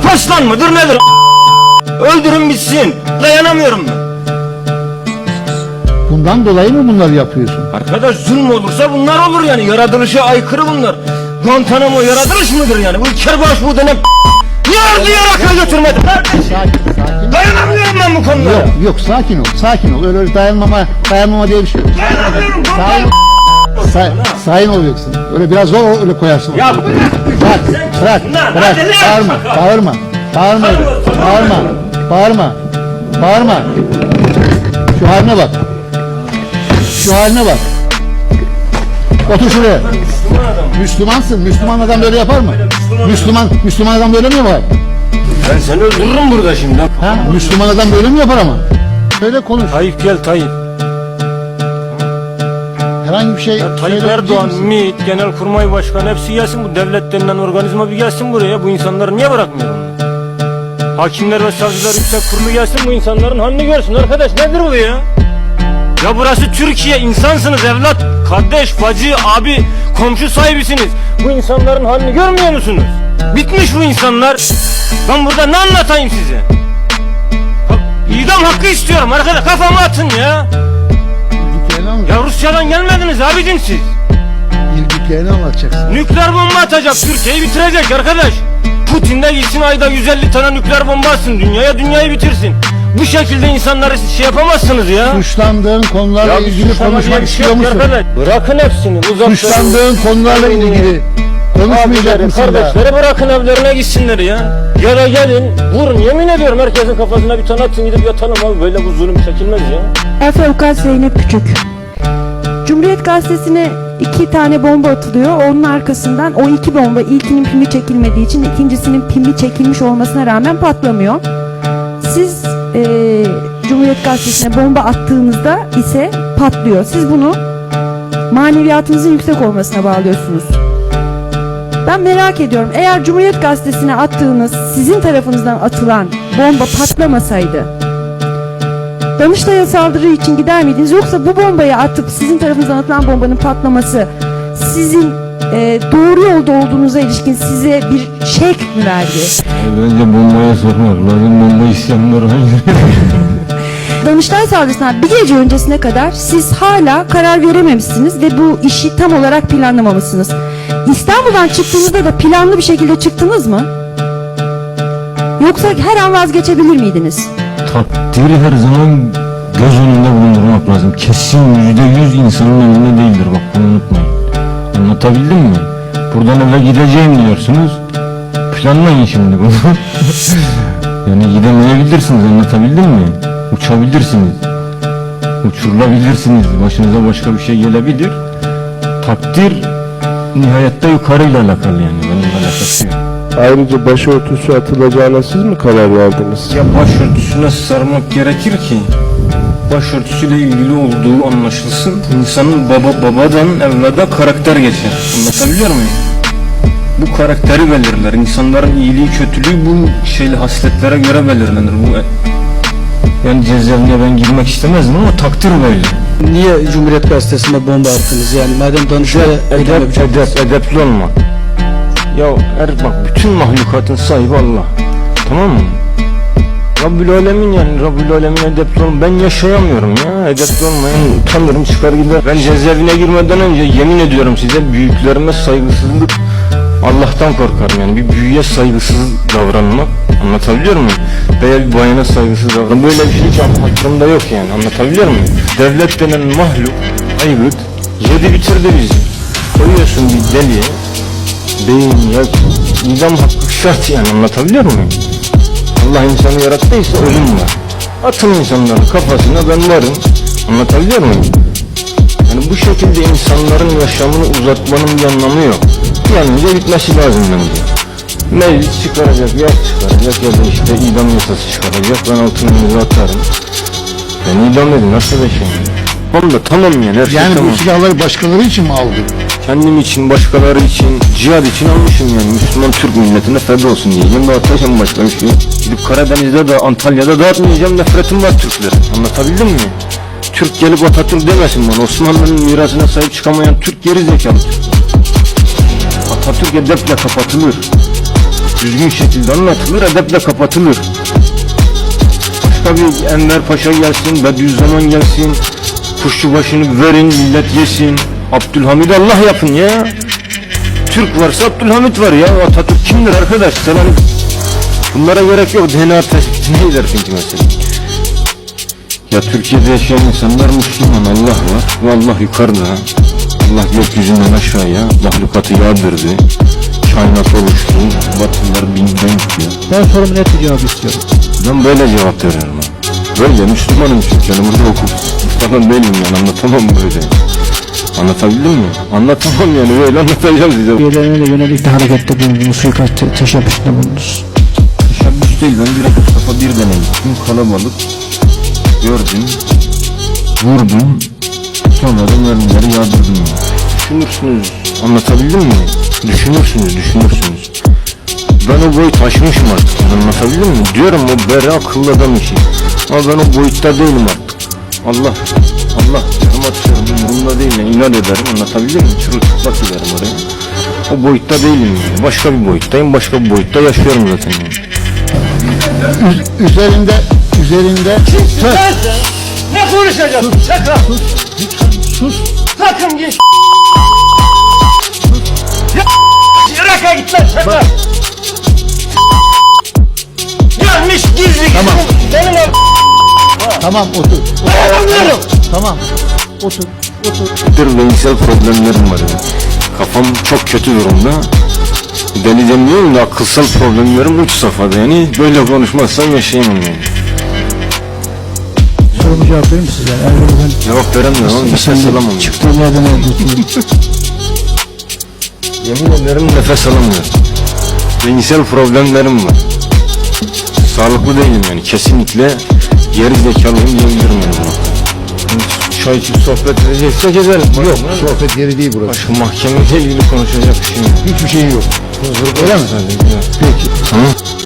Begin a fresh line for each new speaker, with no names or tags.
Paslan mıdır nedir? Öldürün bitsin. Dayanamıyorum ben.
Bundan dolayı mı bunları yapıyorsun?
Arkadaş zulüm olursa bunlar olur yani. Yaratılışa aykırı bunlar. Guantanamo yaratılış mıdır yani? Bu kerbaş bu denen niye ardıyarak götürmedi?
Sakin.
Dayanamıyorum ben bu konuda.
Yok sakin ol. Öyle dayanmama diye bir şey yok.
Dayanamıyorum.
Sakin olacaksın. Öyle biraz zor öyle koyarsın.
Ya
Bırak. Bağırma. Şu haline bak. Otur şuraya. Müslümansın. Müslüman adam böyle yapar mı? Müslüman adam böyle mi yapar?
ben seni öldürürüm burada şimdi.
Ha? Müslüman adam böyle mi yapar ama? Şöyle konuş.
Tayyip gel Tayyip.
Herhangi bir şey
Tayyip
söyleyebilecek
Erdoğan,
misin?
MİT, Genelkurmay Başkanı hepsi gelsin, bu devlet denilen organizma bir gelsin buraya. Bu insanları niye bırakmıyor bunu? Hakimler ve savcılar yüksek kurulu gelsin, bu insanların halini görsün. Arkadaş nedir bu ya? Ya burası Türkiye, insansınız evlat, kardeş, bacı, abi, komşu sahibisiniz. Bu insanların halini görmüyor musunuz? Bitmiş bu insanlar. Ben burada ne anlatayım size? İdam hakkı istiyorum arkadaş, kafama atın ya. Ya Rusya'dan gelmediniz abicim siz.
Bildiklerini anlatacaksın.
Nükleer bomba atacak, Türkiye'yi bitirecek arkadaş. Putin de gitsin ayda 150 tane nükleer bomba atsın dünyayı bitirsin. Bu şekilde insanları siz şey yapamazsınız ya.
Suçlandığın konularla ilgili konuşmak istiyor musun?
Bırakın hepsini.
Suçlandığın konularla ilgili konuşmayacak mısın da?
Kardeşleri bırakın evlerine gitsinler ya. Ya da gelin vurun, yemin ediyorum herkesin kafasına bir tane atın, gidip yatalım abi, böyle bu zulüm çekilmez ya.
Efe Avukat Zeynep Küçük. Cumhuriyet Gazetesi'ne 2 tane bomba atılıyor. Onun arkasından o 2 bomba, ilkinin pimi çekilmediği için ikincisinin pimi çekilmiş olmasına rağmen patlamıyor. Siz Cumhuriyet Gazetesi'ne bomba attığınızda ise patlıyor. Siz bunu maneviyatınızın yüksek olmasına bağlıyorsunuz. Ben merak ediyorum, eğer Cumhuriyet Gazetesi'ne attığınız, sizin tarafınızdan atılan bomba patlamasaydı Danıştay'a saldırı için gider miydiniz? Yoksa bu bombayı atıp sizin tarafınızdan atılan bombanın patlaması sizin doğru yolda olduğunuza ilişkin size bir şek mi verdi?
Bence bombaya sormak lazım, bomba isteyenler hangi?
Danıştay saldırısından bir gece öncesine kadar siz hala karar verememişsiniz ve bu işi tam olarak planlamamışsınız. İstanbul'dan çıktığınızda da planlı bir şekilde çıktınız mı? Yoksa her an vazgeçebilir miydiniz?
Takdiri her zaman göz önünde bulundurmak lazım. Kesin %100 insanın önünde değildir, bak bunu unutmayın. Anlatabildim mi? Buradan eve gideceğim diyorsunuz. Planlayın şimdi bunu. Yani gidemeyebilirsiniz, anlatabildim mi? Uçabilirsiniz. Uçurulabilirsiniz. Başınıza başka bir şey gelebilir. Takdir nihayette yukarıyla alakalı yani. Benimle alakası yok.
Ayrıca başörtüsü atılacağına siz mi karar verdiniz?
Ya başörtüsüne sarmak gerekir ki başörtüsüyle ilgili olduğu anlaşılsın. İnsanın babadan evlada karakter geçer. Anlatabiliyor muyum? Bu karakteri belirler. İnsanların iyiliği kötülüğü bu hasletlere göre belirlenir. Bu yani cezaevine ben girmek istemezdim ama takdir böyle.
Niye Cumhuriyet Gazetesi'ne bomba attınız? Yani madem Danıştay'a
Edepli olma. Ya bak, bütün mahlukatın sahibi Allah. Tamam mı? Rabbül Alemin, yani Rabbül Alemin edepli olma. Ben yaşayamıyorum ya. Edepli olmayan utanırım, çıkar gider. Ben cezaevine girmeden önce yemin ediyorum size, büyüklerime saygısızlık, Allah'tan korkarım yani. Bir büyüye saygısız davranmak, anlatabiliyor muyum? Veya bir bayana saygısız davranmak, böyle bir şey hiç aklımda yok yani, anlatabiliyor muyum? Devlet denen mahluk, aygıt, yedi bitirdi bizi. Koyuyorsun bir deliye, beyin ya, idam hakkı şart yani, anlatabiliyor muyum? Allah insanı yarattıysa ölüm var. Atın insanların kafasına, ben varım, anlatabiliyor muyum? Yani bu şekilde insanların yaşamını uzatmanın bir anlamı yok. Yalnızca bitmesi lazım bence. Meclis çıkaracak, yas çıkaracak ya da işte idam yasası çıkaracak. Ben altına imza atarım. Ben idam edin, nasıl bir şey? Tamam da tamam yani, her şey
Yani
tamam.
bu silahları başkaları için mi aldın?
Kendim için, başkaları için, cihad için almışım yani. Müslüman Türk milletine feda olsun diyeceğim. Dağıtacağım başka bir şey. Gidip Karadeniz'de de, Antalya'da dağıtmayacağım, nefretim var Türklere. Anlatabildim mi? Türk gelip Atatürk demesin bana. Osmanlı'nın mirasına sahip çıkamayan Türk geri zekalı Türk. Atatürk edeple kapatılır. düzgün şekilde anlatılır, edeple kapatılır. Başka bir Enver Paşa gelsin, Bediüzzaman gelsin, Kuşçubaşı'nı verin, millet yesin. Abdülhamid Allah yapın ya. Türk varsa Abdülhamid var ya. Atatürk kimdir arkadaş? Sen hani bunlara gerek yok. DNA tespitine gidersin ki mesela. Ya Türkiye'de yaşayan insanlar Müslüman, Allah var ve Allah yukarıda. Allah gökyüzünden aşağıya mahlukatı yağdırdı. Kainat oluştu. Batılılar binden gidiyor.
Ben sorumu net bir cevap istiyorum.
Ben böyle cevap veriyorum ha. Böyle Müslümanım çünkü yani burada hukuk falan değilim yani, anlatamam böyle. Anlatabildim mi? Anlatamam yani, böyle anlatacağım size.
Üyelerine yönelik de harekette bulundunuz, suikast teşebbüsünde bulundunuz.
Teşebbüs değil, ben direkt Mustafa Birden'e gittim, kalabalık gördüm, vurdum, sonra da mermileri yağdırdım yani. Düşünürsünüz, anlatabildim mi? Düşünürsünüz. Ben o boyut aşmışım artık, anlatabildim mi? Diyorum o beri akıllı adam işi. Ama ben o boyutta değilim artık. Allah canım atıyorum, umurumda değil yani, inat ederim, anlatabildim mi? Çırılçıplak giderim oraya. O boyutta değilim yani, başka bir boyuttayım, başka bir boyutta yaşıyorum zaten yani.
Üzerinde
Ne konuşacağız? Sakın!
sus.
Sakın geç! Irak'a git lan sakın! Gelmiş gizli
Tamam.
Benim abi!
Tamam otur.
Dayanamıyorum!
Tamam. Otur.
Bir beyinsel problemlerim var ya. Kafam çok kötü durumda. Deli demiyorum da akılsal problemlerim uç safhada yani. Böyle konuşmazsam yaşayamam yani.
Sorumu cevap verir misiniz? Yani Erdoğan'ın
Cevap veremiyorum ama nefes alamam.
çıktığı yerden öldürdüğü.
Yemin ederim nefes alamıyorum. Beyinsel problemlerim var. Sağlıklı değilim yani, kesinlikle geri zekalıyım diyebilirim yani buna. Çay içip sohbet edeceksek edelim.
Yok, sohbet yeri değil burası.
Başka mahkemeyle ilgili konuşacak bir şey yok.
Hiçbir şeyin yok. Öyle mi?
Peki. Tamam.